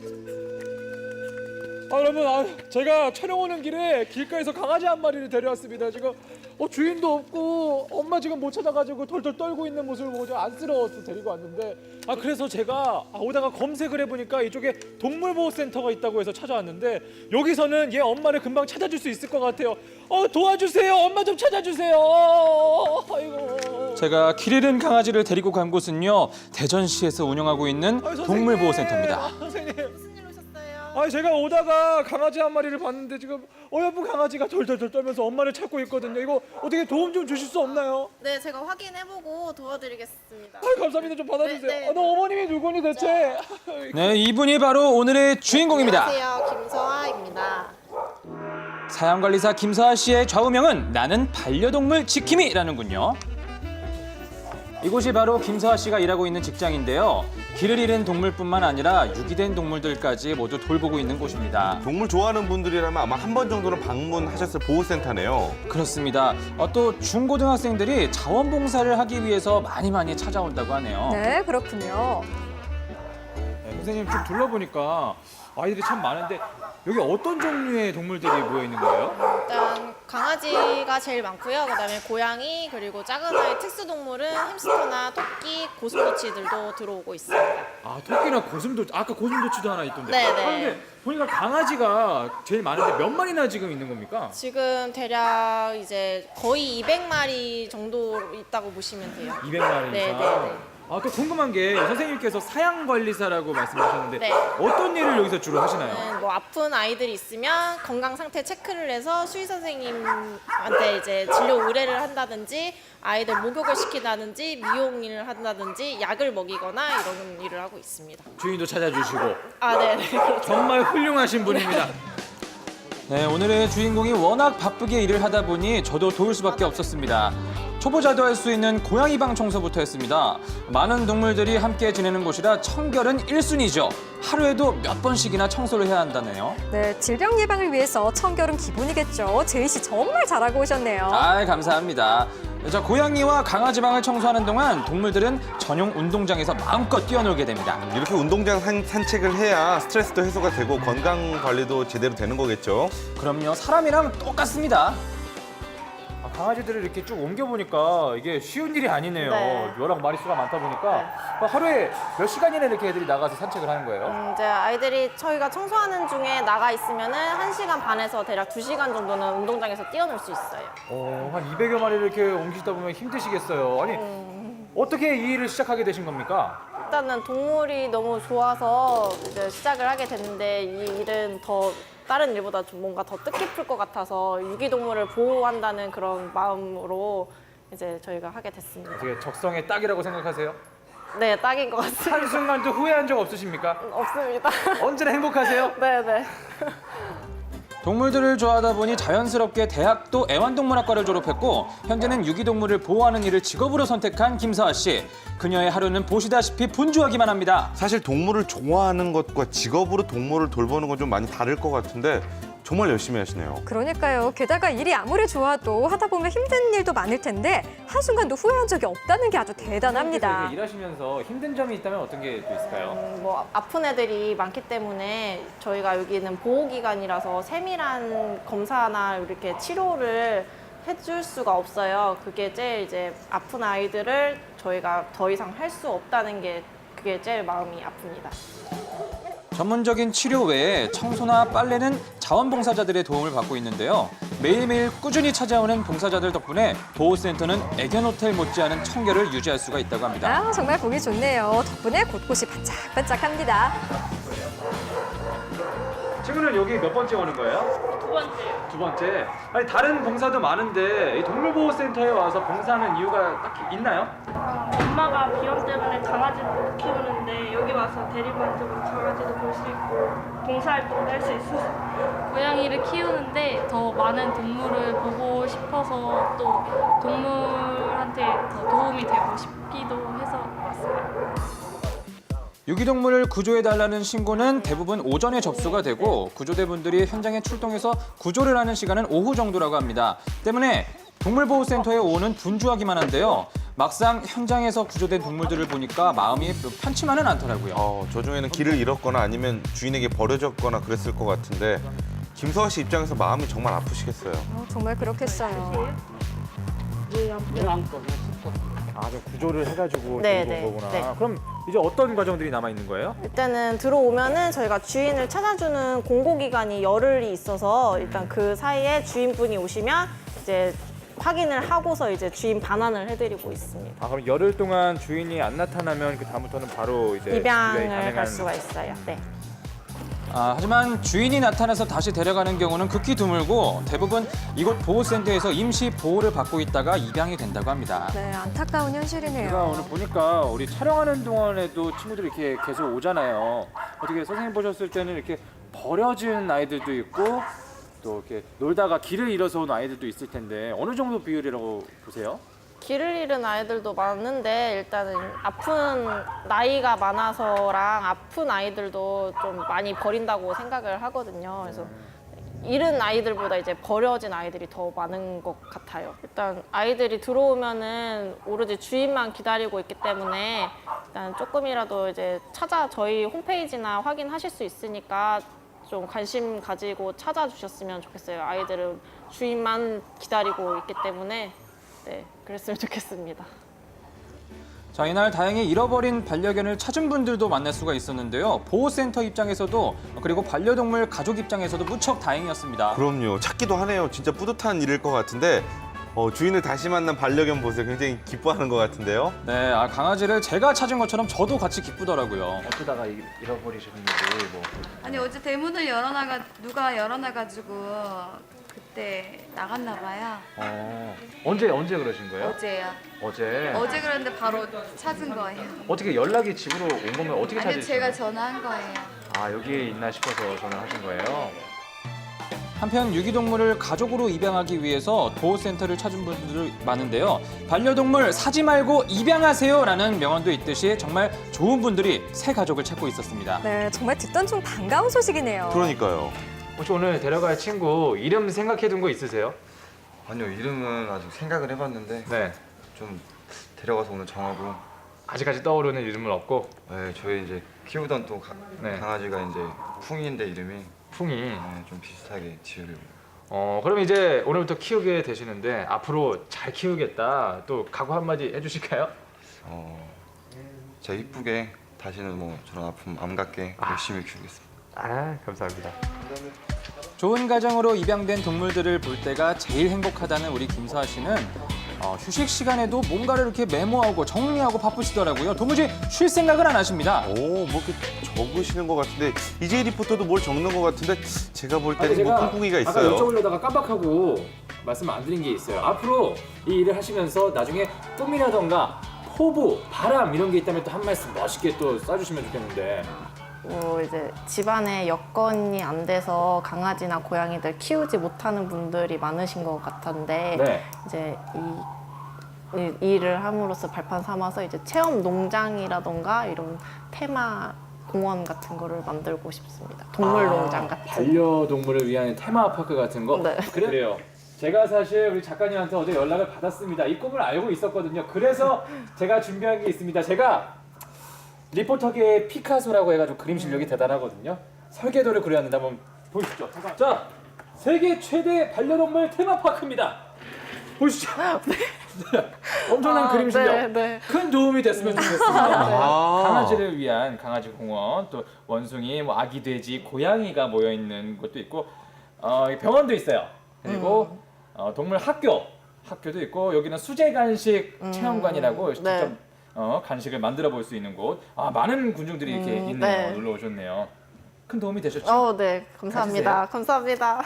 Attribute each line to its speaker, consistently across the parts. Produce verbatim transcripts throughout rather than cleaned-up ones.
Speaker 1: 아, 여러분, 아, 제가 촬영 오는 길에 길가에서 강아지 한 마리를 데려왔습니다. 지금 어, 주인도 없고 엄마 지금 못 찾아가지고 덜덜 떨고 있는 모습을 보고 좀 안쓰러워서 데리고 왔는데, 아 그래서 제가 아, 오다가 검색을 해보니까 이쪽에 동물보호센터가 있다고 해서 찾아왔는데, 여기서는 얘 엄마를 금방 찾아줄 수 있을 것 같아요. 어, 도와주세요. 엄마 좀 찾아주세요. 아이고.
Speaker 2: 제가 길 잃은 강아지를 데리고 간 곳은요, 대전시에서 운영하고 있는
Speaker 1: 아유, 선생님.
Speaker 2: 동물보호센터입니다.
Speaker 1: 아, 선생님.
Speaker 3: 무슨 일 오셨어요?
Speaker 1: 아, 제가 오다가 강아지 한 마리를 봤는데 지금 어여쁜 강아지가 덜덜덜 떨면서 엄마를 찾고 있거든요. 이거 어떻게 도움 좀 주실 수 없나요?
Speaker 3: 네, 제가 확인해보고 도와드리겠습니다.
Speaker 1: 아, 감사합니다. 좀 받아주세요.
Speaker 3: 네, 네.
Speaker 1: 아, 너 어머님이 누구니 대체?
Speaker 2: 네, 이분이 바로 오늘의 주인공입니다.
Speaker 3: 안녕하세요, 김서아입니다.
Speaker 2: 사양관리사 김서아 씨의 좌우명은 나는 반려동물 지킴이라는군요. 이곳이 바로 김서아 씨가 일하고 있는 직장인데요. 길을 잃은 동물뿐만 아니라 유기된 동물들까지 모두 돌보고 있는 곳입니다.
Speaker 4: 동물 좋아하는 분들이라면 아마 한 번 정도는 방문하셨을 보호센터네요.
Speaker 2: 그렇습니다. 어, 또 중고등학생들이 자원봉사를 하기 위해서 많이 많이 찾아온다고 하네요.
Speaker 5: 네, 그렇군요.
Speaker 1: 네, 선생님 좀 둘러보니까 아이들이 참 많은데 여기 어떤 종류의 동물들이 모여 있는 거예요?
Speaker 3: 일단 강아지가 제일 많고요. 그다음에 고양이, 그리고 작은 아이 특수동물은 햄스터나 토끼, 고슴도치들도 들어오고 있습니다.
Speaker 1: 아, 토끼나 고슴도치, 아까 고슴도치도 하나 있던데.
Speaker 3: 네,
Speaker 1: 아,
Speaker 3: 네.
Speaker 1: 근데 보니까 강아지가 제일 많은데 몇 마리나 지금 있는 겁니까?
Speaker 3: 지금 대략 이제 거의 이백 마리 정도 있다고 보시면 돼요.
Speaker 1: 이백 마리
Speaker 3: 네,
Speaker 1: 이상.
Speaker 3: 네, 네.
Speaker 1: 아, 또 궁금한 게 선생님께서 사양관리사라고 말씀하셨는데
Speaker 3: 네.
Speaker 1: 어떤 일을 여기서 주로 하시나요?
Speaker 3: 네, 뭐 아픈 아이들이 있으면 건강 상태 체크를 해서 수의 선생님한테 이제 진료 의뢰를 한다든지, 아이들 목욕을 시킨다든지, 미용 일을 한다든지, 약을 먹이거나 이런 일을 하고 있습니다.
Speaker 1: 주인도 찾아주시고
Speaker 3: 아, 네, 네. 그렇죠.
Speaker 1: 정말 훌륭하신 분입니다.
Speaker 2: 네, 오늘의 주인공이 워낙 바쁘게 일을 하다 보니 저도 도울 수밖에 없었습니다. 초보자도 할 수 있는 고양이 방 청소부터 했습니다. 많은 동물들이 함께 지내는 곳이라 청결은 일 순위죠. 하루에도 몇 번씩이나 청소를 해야 한다네요.
Speaker 5: 네, 질병 예방을 위해서 청결은 기본이겠죠. 제이 씨 정말 잘하고 오셨네요.
Speaker 2: 아, 감사합니다. 자, 고양이와 강아지 방을 청소하는 동안 동물들은 전용 운동장에서 마음껏 뛰어놀게 됩니다.
Speaker 4: 이렇게 운동장 산, 산책을 해야 스트레스도 해소가 되고 건강 관리도 제대로 되는 거겠죠.
Speaker 2: 그럼요, 사람이랑 똑같습니다.
Speaker 1: 아, 강아지들을 이렇게 쭉 옮겨보니까 이게 쉬운 일이 아니네요.
Speaker 3: 네.
Speaker 1: 워낙 마리수가 많다 보니까 하루에 몇 시간이나 이렇게 애들이 나가서 산책을 하는 거예요?
Speaker 3: 음, 이제 아이들이 저희가 청소하는 중에 나가 있으면은 한 시간 반에서 대략 두 시간 정도는 운동장에서 뛰어놀 수 있어요.
Speaker 1: 어, 한 이백여 마리를 이렇게 옮기시다 보면 힘드시겠어요. 아니, 어떻게 이 일을 시작하게 되신 겁니까?
Speaker 3: 일단은 동물이 너무 좋아서 이제 시작을 하게 됐는데, 이 일은 더 다른 일보다 좀 뭔가 더 뜻깊을 것 같아서 유기동물을 보호한다는 그런 마음으로 이제 저희가 하게 됐습니다.
Speaker 1: 되게 적성에 딱이라고 생각하세요?
Speaker 3: 네, 딱인 것 같습니다.
Speaker 1: 한순간도 후회한 적 없으십니까?
Speaker 3: 없습니다.
Speaker 1: 언제나 행복하세요?
Speaker 3: 네네.
Speaker 2: 동물들을 좋아하다 보니 자연스럽게 대학도 애완동물학과를 졸업했고 현재는 유기동물을 보호하는 일을 직업으로 선택한 김서아 씨. 그녀의 하루는 보시다시피 분주하기만 합니다.
Speaker 4: 사실 동물을 좋아하는 것과 직업으로 동물을 돌보는 건 좀 많이 다를 것 같은데 정말 열심히 하시네요.
Speaker 5: 그러니까요. 게다가 일이 아무리 좋아도 하다 보면 힘든 일도 많을 텐데 한순간도 후회한 적이 없다는 게 아주 대단합니다.
Speaker 1: 이렇게 일하시면서 힘든 점이 있다면 어떤 게 또 있을까요?
Speaker 3: 음, 뭐 아픈 애들이 많기 때문에 저희가 여기는 보호기관이라서 세밀한 검사나 이렇게 치료를 해줄 수가 없어요. 그게 제일 이제 아픈 아이들을 저희가 더 이상 할 수 없다는 게, 그게 제일 마음이 아픕니다.
Speaker 2: 전문적인 치료 외에 청소나 빨래는 자원봉사자들의 도움을 받고 있는데요. 매일매일 꾸준히 찾아오는 봉사자들 덕분에 보호센터는 애견호텔 못지않은 청결을 유지할 수가 있다고 합니다.
Speaker 5: 아, 정말 보기 좋네요. 덕분에 곳곳이 반짝반짝합니다.
Speaker 1: 친구는 여기 몇 번째 오는 거예요?
Speaker 6: 두 번째요.
Speaker 1: 두 번째. 아니, 다른 봉사도 많은데 이 동물보호센터에 와서 봉사하는 이유가 딱히 있나요?
Speaker 6: 엄마가 비염 때문에 강아지를 못 키우는데 여기 와서 데리고 앉으면 강아지도 볼 수 있고 봉사활동도 할 수 있어서. 고양이를 키우는데 더 많은 동물을 보고 싶어서 또 동물한테 더 도움이 되고 싶기도 해서 왔어요.
Speaker 2: 유기동물을 구조해달라는 신고는 대부분 오전에 접수가 되고 구조대분들이 현장에 출동해서 구조를 하는 시간은 오후 정도라고 합니다. 때문에 동물보호센터에 오는 분주하기만 한데요. 막상 현장에서 구조된 동물들을 보니까 마음이 편치만은 않더라고요.
Speaker 4: 어, 저 중에는 길을 잃었거나 아니면 주인에게 버려졌거나 그랬을 것 같은데 김서아 씨 입장에서 마음이 정말 아프시겠어요.
Speaker 5: 어, 정말 그렇겠어요.
Speaker 1: 아, 좀 구조를 해가지고
Speaker 3: 네,
Speaker 1: 데리고 온
Speaker 3: 네,
Speaker 1: 거구나.
Speaker 3: 네.
Speaker 1: 그럼 이제 어떤 과정들이 남아 있는 거예요?
Speaker 3: 일단은 들어오면은 저희가 주인을 찾아주는 공고기간이 열흘이 있어서 일단 그 사이에 주인분이 오시면 이제 확인을 하고서 이제 주인 반환을 해드리고 있습니다.
Speaker 1: 아, 그럼 열흘 동안 주인이 안 나타나면 그 다음부터는 바로 이제
Speaker 3: 입양을
Speaker 1: 가능한-
Speaker 3: 갈 수가 있어요. 네.
Speaker 2: 아, 하지만 주인이 나타나서 다시 데려가는 경우는 극히 드물고 대부분 이곳 보호센터에서 임시 보호를 받고 있다가 입양이 된다고 합니다.
Speaker 5: 네, 안타까운
Speaker 1: 제가
Speaker 5: 현실이네요.
Speaker 1: 오늘 보니까 우리 촬영하는 동안에도 친구들이 이렇게 계속 오잖아요. 어떻게 선생님 보셨을 때는 이렇게 버려진 아이들도 있고 또 이렇게 놀다가 길을 잃어서 온 아이들도 있을 텐데 어느 정도 비율이라고 보세요?
Speaker 3: 길을 잃은 아이들도 많은데 일단은 아픈 나이가 많아서랑 아픈 아이들도 좀 많이 버린다고 생각을 하거든요. 그래서 잃은 아이들보다 이제 버려진 아이들이 더 많은 것 같아요. 일단 아이들이 들어오면은 오로지 주인만 기다리고 있기 때문에 일단 조금이라도 이제 찾아 저희 홈페이지나 확인하실 수 있으니까 좀 관심 가지고 찾아주셨으면 좋겠어요. 아이들은 주인만 기다리고 있기 때문에 네, 그랬으면 좋겠습니다.
Speaker 2: 자, 이날 다행히 잃어버린 반려견을 찾은 분들도 만날 수가 있었는데요. 보호센터 입장에서도 그리고 반려동물 가족 입장에서도 무척 다행이었습니다.
Speaker 4: 그럼요. 찾기도 하네요. 진짜 뿌듯한 일일 것 같은데 어, 주인을 다시 만난 반려견 보세요. 굉장히 기뻐하는 것 같은데요.
Speaker 2: 네, 아, 강아지를 제가 찾은 것처럼 저도 같이 기쁘더라고요.
Speaker 1: 어쩌다가 잃어버리셨는지 뭐.
Speaker 7: 아니 어제 대문을 열어놔가 누가 열어놔가지고 그때 나갔나 봐요.
Speaker 1: 어, 언제 언제 그러신 거예요?
Speaker 7: 어제요.
Speaker 1: 어제.
Speaker 7: 어제 그랬는데 바로 찾은 거예요.
Speaker 1: 어떻게 연락이 집으로 온 거면 어떻게
Speaker 7: 아니
Speaker 1: 찾으신
Speaker 7: 제가
Speaker 1: 거예요?
Speaker 7: 전화한 거예요.
Speaker 1: 아, 여기에 있나 싶어서 전화하신 거예요?
Speaker 2: 한편 유기동물을 가족으로 입양하기 위해서 보호센터를 찾은 분들 많은데요. 반려동물 사지 말고 입양하세요라는 명언도 있듯이 정말 좋은 분들이 새 가족을 찾고 있었습니다.
Speaker 5: 네, 정말 듣던 중 반가운 소식이네요.
Speaker 4: 그러니까요.
Speaker 1: 혹시 오늘 데려갈 친구 이름 생각해둔 거 있으세요?
Speaker 8: 아니요, 이름은 아직 생각을 해봤는데
Speaker 1: 네.
Speaker 8: 좀 데려가서 오늘 정하고.
Speaker 1: 아직까지 떠오르는 이름은 없고.
Speaker 8: 네, 저희 이제 키우던 또 가-
Speaker 1: 네.
Speaker 8: 강아지가 이제 풍이인데 이름이
Speaker 1: 풍이.
Speaker 8: 네, 좀 비슷하게 지으려고.
Speaker 1: 어, 그럼 이제 오늘부터 키우게 되시는데 앞으로 잘 키우겠다. 또 각오 한마디 해주실까요?
Speaker 8: 어, 진짜 이쁘게 다시는 뭐 저런 아픔 안 갖게 열심히 키우겠습니다.
Speaker 1: 아, 감사합니다.
Speaker 2: 좋은 가정으로 입양된 동물들을 볼 때가 제일 행복하다는 우리 김서아 씨는 어, 휴식 시간에도 뭔가를 이렇게 메모하고 정리하고 바쁘시더라고요. 도무지 쉴 생각을 안 하십니다.
Speaker 4: 오, 뭐 이렇게 적으시는 것 같은데 이재희 리포터도 뭘 적는 것 같은데 제가 볼 때는 뭐 꿍꿍이가
Speaker 1: 아까
Speaker 4: 있어요.
Speaker 1: 여쭤보려다가 깜빡하고 말씀 안 드린 게 있어요. 앞으로 이 일을 하시면서 나중에 꿈이라던가 포부, 바람 이런 게 있다면 또 한 말씀 멋있게 또 써주시면 좋겠는데.
Speaker 3: 뭐 이제 집안에 여건이 안 돼서 강아지나 고양이들 키우지 못하는 분들이 많으신 것 같은데
Speaker 1: 네.
Speaker 3: 이제 이, 이 일을 함으로써 발판 삼아서 이제 체험 농장이라던가 이런 테마 공원 같은 거를 만들고 싶습니다. 동물 농장 같은.
Speaker 1: 반려동물을 위한 테마파크 같은 거?
Speaker 3: 네.
Speaker 1: 그래? 그래요. 제가 사실 우리 작가님한테 어제 연락을 받았습니다. 이 꿈을 알고 있었거든요. 그래서 제가 준비한 게 있습니다. 제가 리포터계의 피카소라고 해가지고 그림 실력이 대단하거든요. 설계도를 그려왔는데 한번 보시죠. 자, 세계 최대 반려동물 테마파크입니다. 보시죠. 네. 엄청난
Speaker 3: 아,
Speaker 1: 그림 실력.
Speaker 3: 네, 네.
Speaker 1: 큰 도움이 됐으면 좋겠습니다.
Speaker 4: 아.
Speaker 1: 강아지를 위한 강아지 공원, 또 원숭이, 뭐 아기 돼지, 고양이가 모여 있는 곳도 있고, 어, 병원도 있어요. 그리고 어, 동물 학교, 학교도 있고 여기는 수제 간식 체험관이라고 직접
Speaker 3: 네.
Speaker 1: 어, 간식을 만들어 볼 수 있는 곳. 아, 많은 군중들이 이렇게
Speaker 3: 음,
Speaker 1: 있네요.
Speaker 3: 네.
Speaker 1: 놀러 오셨네요. 큰 도움이 되셨죠?
Speaker 3: 어, 네, 감사합니다. 감사합니다.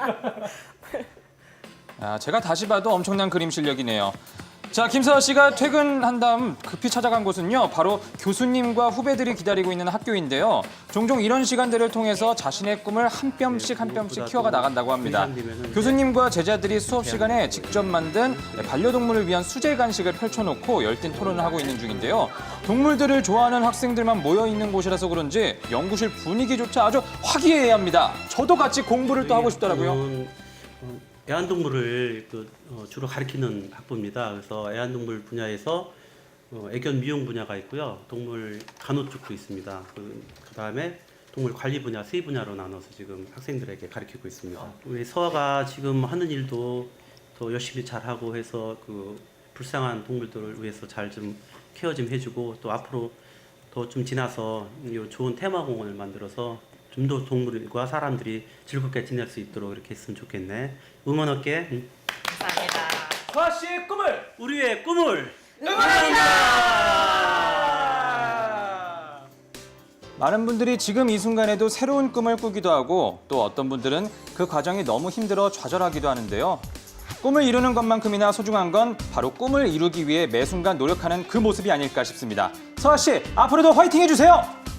Speaker 2: 아, 제가 다시 봐도 엄청난 그림 실력이네요. 자, 김서아 씨가 퇴근한 다음 급히 찾아간 곳은요, 바로 교수님과 후배들이 기다리고 있는 학교인데요. 종종 이런 시간들을 통해서 자신의 꿈을 한 뼘씩 한 뼘씩 키워가 나간다고 합니다. 교수님과 제자들이 수업 시간에 직접 만든 반려동물을 위한 수제 간식을 펼쳐놓고 열띤 토론을 하고 있는 중인데요. 동물들을 좋아하는 학생들만 모여 있는 곳이라서 그런지 연구실 분위기조차 아주 화기애애합니다. 저도 같이 공부를 또 하고 싶더라고요.
Speaker 9: 애완동물을 그, 어, 주로 가리키는 학부입니다. 그래서 애완동물 분야에서 어, 애견 미용 분야가 있고요. 동물 간호 쪽도 있습니다. 그, 그다음에 동물 관리 분야, 수의 분야로 나눠서 지금 학생들에게 가르치고 있습니다. 우리 서아가 지금 하는 일도 더 열심히 잘하고 해서 그 불쌍한 동물들을 위해서 잘 좀 케어 좀 해주고 또 앞으로 더 좀 지나서 이 좋은 테마공원을 만들어서 좀 더 동물과 사람들이 즐겁게 지낼 수 있도록 이렇게 했으면 좋겠네. 응원할게. 응.
Speaker 3: 감사합니다.
Speaker 1: 서아 씨의 꿈을
Speaker 9: 우리의 꿈을
Speaker 2: 많은 분들이 지금 이 순간에도 새로운 꿈을 꾸기도 하고 또 어떤 분들은 그 과정이 너무 힘들어 좌절하기도 하는데요. 꿈을 이루는 것만큼이나 소중한 건 바로 꿈을 이루기 위해 매 순간 노력하는 그 모습이 아닐까 싶습니다. 서아 씨, 앞으로도 화이팅 해주세요.